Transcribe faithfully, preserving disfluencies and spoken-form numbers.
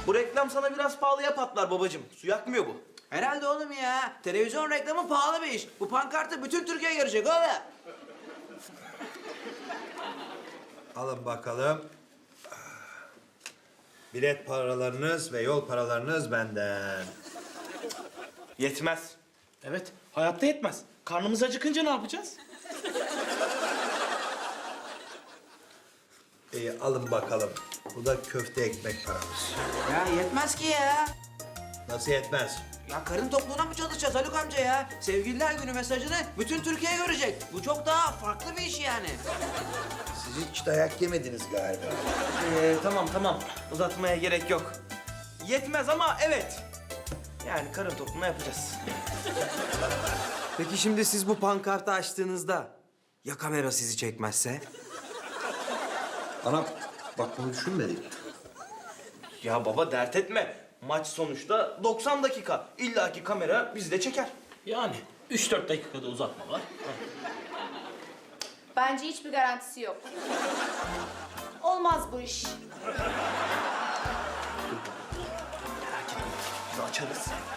Bu reklam sana biraz pahalıya patlar babacığım. Su yakmıyor bu. Herhalde oğlum ya. Televizyon reklamı pahalı bir iş. Bu pankartı bütün Türkiye görecek oğlum. Alın bakalım. Bilet paralarınız ve yol paralarınız benden. Yetmez. Evet, hayatta yetmez. Karnımız acıkınca ne yapacağız? İyi alın bakalım. Bu da köfte ekmek paramız. Ya yetmez ki ya. Nasıl yetmez? Ya karın tokluğuna mı çalışacağız Haluk amca ya? Sevgililer günü mesajını bütün Türkiye görecek. Bu çok daha farklı bir iş yani. Siz hiç dayak yemediniz galiba. Ee, tamam tamam. Uzatmaya gerek yok. Yetmez ama evet. Yani karın tokluğuna yapacağız. Peki şimdi siz bu pankartı açtığınızda ya kamera sizi çekmezse? Anam bak bunu düşünmedik. Ya baba dert etme. Maç sonuçta doksan dakika. İlla ki kamera bizi de çeker. Yani üç dört dakikada uzatma var. Bence hiçbir garantisi yok. Olmaz bu iş. Merak etme. Biz açarız.